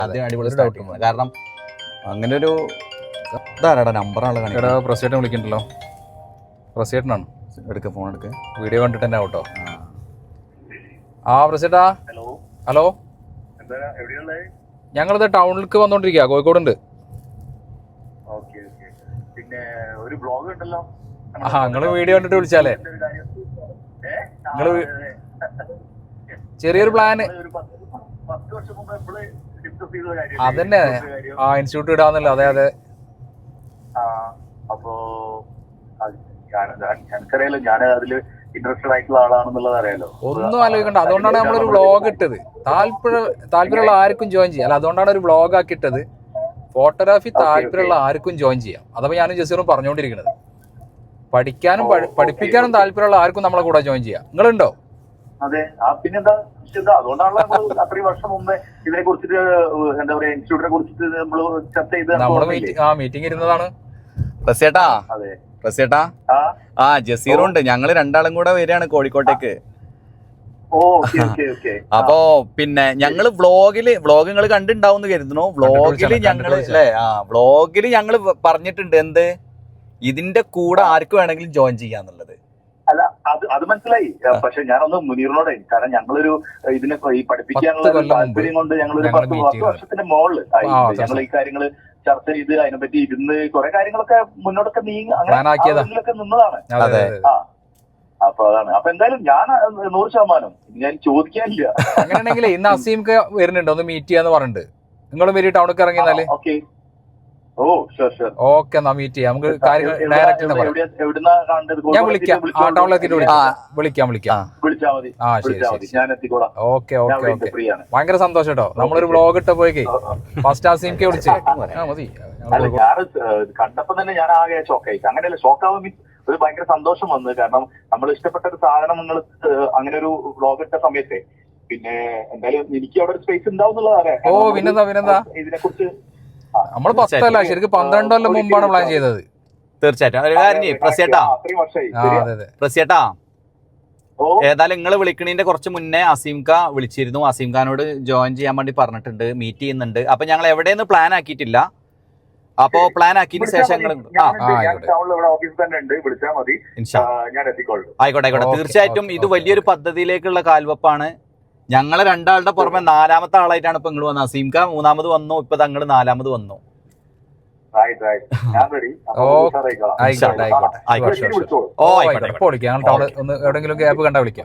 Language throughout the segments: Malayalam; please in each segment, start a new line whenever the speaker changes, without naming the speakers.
അടിപൊളി സ്റ്റാർട്ടിങ്. കാരണം അങ്ങനെ ഒരു ഇതാരാടാ നമ്പറാണ് കാണിക്കുന്നത്.
പ്രസിഡന്റ് വിളിക്കണ്ടല്ലോ. പ്രസിഡന്റാണ്.
എടുക്ക ഫോൺ എടുക്ക.
വീഡിയോ കണ്ടിട്ട് തന്നെ ആവട്ടോ. ആ പ്രസിഡന്റാ. ഹലോ, ഞങ്ങളിത് ടൗണിലേക്ക് വന്നോണ്ടിരിക്കുക. കോഴിക്കോടുണ്ട്. നിങ്ങള് വീഡിയോ കണ്ടിട്ട് വിളിച്ചാലേ. നിങ്ങള് ചെറിയൊരു പ്ലാന് അതന്നെ. ആ ഇൻസ്റ്റിറ്റ്യൂട്ട് ഇടാന്നല്ലോ. അതെ അതെ.
അപ്പോ എനിക്കറിയാലോ, ഞാൻ അതില് ഇൻട്രസ്റ്റഡ് ആയിട്ടുള്ള ആളാണെന്നുള്ളത് അറിയാലോ.
ഒന്നും ആലോചിക്കണ്ട. അതുകൊണ്ടാണ് നമ്മളൊരു വ്ളോഗ് ഇട്ടത്. താല്പര്യമുള്ള ആർക്കും ജോയിൻ ചെയ്യാം. അല്ല, അതുകൊണ്ടാണ് ഒരു വ്ളോഗ് ആക്കി ഇട്ടത്. ഫോട്ടോഗ്രാഫി താല്പര്യമുള്ള ആർക്കും ജോയിൻ ചെയ്യാം. അതപ്പോ ഞാനും ജസീറും പറഞ്ഞുകൊണ്ടിരിക്കുന്നത്. പഠിക്കാനും പഠിപ്പിക്കാനും താല്പര്യമുള്ള ആർക്കും നമ്മളെ കൂടെ ജോയിൻ ചെയ്യാം. നിങ്ങളുണ്ടോ?
അതെ. പിന്നെന്താ, അതുകൊണ്ടാണല്ലോ നമ്മൾ അത്രയും വർഷം മുമ്പേ ഇതിനെ കുറിച്ചിട്ട് എന്താ പറയാ ഇൻസ്റ്റിറ്റ്യൂട്ടിനെ കുറിച്ചിട്ട് നമ്മള് ചർച്ച ചെയ്ത്
മീറ്റിംഗ് ഇരുന്നതാണ്.
പ്രസേട്ടാ,
അതെ
പ്രസേട്ടാ. ആ ജസീറുണ്ട്. ഞങ്ങള് രണ്ടാളും കൂടെ വരികയാണ് കോഴിക്കോട്ടേക്ക്. അപ്പോ പിന്നെ ഞങ്ങള് വ്ളോഗ് നിങ്ങൾ കണ്ടിണ്ടാവും കരുതുന്നു. വ്ളോഗില് ഞങ്ങള് അല്ലേ, വ്ളോഗില് ഞങ്ങള് പറഞ്ഞിട്ടുണ്ട് എന്ത്, ഇതിന്റെ കൂടെ ആർക്ക് വേണമെങ്കിലും ജോയിൻ ചെയ്യാന്നുള്ളത്.
അല്ല, അത് മനസ്സിലായി. പക്ഷെ ഞാനൊന്ന് മുനീറിനോടെ, കാരണം ഞങ്ങളൊരു ഇതിനെ ഈ പഠിപ്പിക്കാനുള്ള താല്പര്യം കൊണ്ട് ഞങ്ങളൊരു 10 വർഷത്തിന്റെ മുകളിൽ ഞങ്ങൾ ഈ കാര്യങ്ങള് ചർച്ച ചെയ്ത് അതിനെപ്പറ്റി ഇരുന്ന് കുറെ കാര്യങ്ങളൊക്കെ മുന്നോട്ടൊക്കെ നീങ്ങി അങ്ങനെയൊക്കെ നിന്നതാണ്. അപ്പൊ അതാണ്. അപ്പൊ എന്തായാലും ഞാൻ 100% ഞാൻ ചോദിക്കാനില്ല.
അങ്ങനെയാണെങ്കിൽ ഇന്ന് അസീംക്ക് വരുന്നുണ്ട്, ഒന്ന് മീറ്റ് ചെയ്യാന്ന് പറഞ്ഞിട്ട്. നിങ്ങളും വരി ടൗണിലേക്ക് ഇറങ്ങിയാല്. ഓക്കെ, എന്നാ മീറ്റ് ചെയ്യാം. നമുക്ക് കാര്യങ്ങൾ ഡയറക്റ്റ് ഞാൻ വിളിക്കാം. ആ ടൗണിലെത്തിട്ട് വിളിക്കാം. ആ ശരി. ഓക്കെ. ഭയങ്കര സന്തോഷം കേട്ടോ. നമ്മളൊരു വ്ളോഗ് ഇട്ട പോയി ഫസ്റ്റ് അസീംക്ക് വിളിച്ച് മതി.
കണ്ടപ്പോ തന്നെ ഞാൻ ആകെ ഷോക്കായി. അങ്ങനെയല്ല, ഷോക്കാവും മീൻസ് ഒരു ഭയങ്കര സന്തോഷം വന്നു. കാരണം നമ്മൾ ഇഷ്ടപ്പെട്ട ഒരു സാധനം നിങ്ങൾ അങ്ങനെ ഒരു വ്ളോഗ് ഇട്ട സമയത്തെ പിന്നെ എന്തായാലും എനിക്ക് അവിടെ ഒരു സ്പേസ് ഉണ്ടാവും എന്നുള്ളതാണ്.
ഓ പിന്നെന്താ ഇതിനെ കുറിച്ച് നമ്മൾ 10 അല്ല, ശരിക്കും 12 കൊല്ലം മുമ്പാണ് പ്ലാൻ ചെയ്തത്.
തീർച്ചയായിട്ടും. പ്രസേട്ടാ, ഏതായാലും നിങ്ങൾ വിളിക്കണതിന്റെ കുറച്ച് മുന്നേ അസീംക വിളിച്ചിരുന്നു. അസീംഖാനോട് ജോയിൻ ചെയ്യാൻ വേണ്ടി പറഞ്ഞിട്ടുണ്ട്, മീറ്റ് ചെയ്യുന്നുണ്ട്. അപ്പൊ ഞങ്ങൾ എവിടെയൊന്നും പ്ലാൻ ആക്കിയിട്ടില്ല. അപ്പോ പ്ലാൻ ആക്കിയതിന് ശേഷം ആയിക്കോട്ടെ. തീർച്ചയായിട്ടും ഇത് വലിയൊരു പദ്ധതിയിലേക്കുള്ള കാൽവെപ്പാണ്. ഞങ്ങളെ രണ്ടാളുടെ പുറമെ 4ാമത്തെ ആളായിട്ടാണ് ഇപ്പൊ നിങ്ങൾ വന്നത്. അസീംക 3ാമത് വന്നു, ഇപ്പൊ തങ്ങള് 4ാമത് വന്നു.
എവിടെങ്കിലും ഗ്യാപ്പ് കണ്ടാ വിളിക്കാം.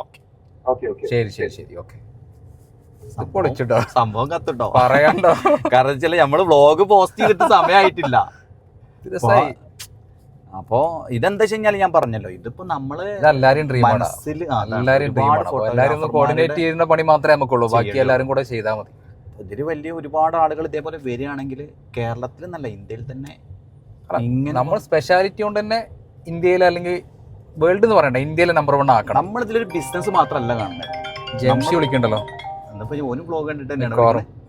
ശരി. ഓക്കെ. പൊളിച്ചിട്ടോ,
സംഭവം കത്തിട്ടോ,
പറയണ്ടോ.
കാരണം വെച്ചാൽ നമ്മള് വ്ളോഗ് പോസ്റ്റ് ചെയ്തിട്ട് സമയമായിട്ടില്ല. അപ്പോ ഇതെന്താ വെച്ച് കഴിഞ്ഞാൽ ഞാൻ പറഞ്ഞല്ലോ, ഇതിപ്പോ നമ്മള്
എല്ലാരും കോർഡിനേറ്റ് ചെയ്യുന്ന പണി മാത്രമേ നമുക്കുള്ളൂ. ബാക്കി എല്ലാരും കൂടെ ചെയ്താൽ മതി.
ഇതില് വലിയ ഒരുപാട് ആളുകൾ ഇതേപോലെ വരികയാണെങ്കിൽ കേരളത്തിൽ നല്ല ഇന്ത്യയിൽ തന്നെ
നമ്മൾ സ്പെഷ്യാലിറ്റി കൊണ്ട് തന്നെ ഇന്ത്യയിൽ അല്ലെങ്കിൽ വേൾഡ് എന്ന് പറയണ്ട, ഇന്ത്യയിലെ നമ്പർ 1 ആക്കണം.
നമ്മൾ ഇതിലൊരു ബിസിനസ് മാത്രമല്ല കാണുന്നത്.
ജംഷി വിളിക്കണ്ടല്ലോ.
എന്നിപ്പോ ഓന് വ്ളോഗ് കണ്ടിട്ട് തന്നെയാണ്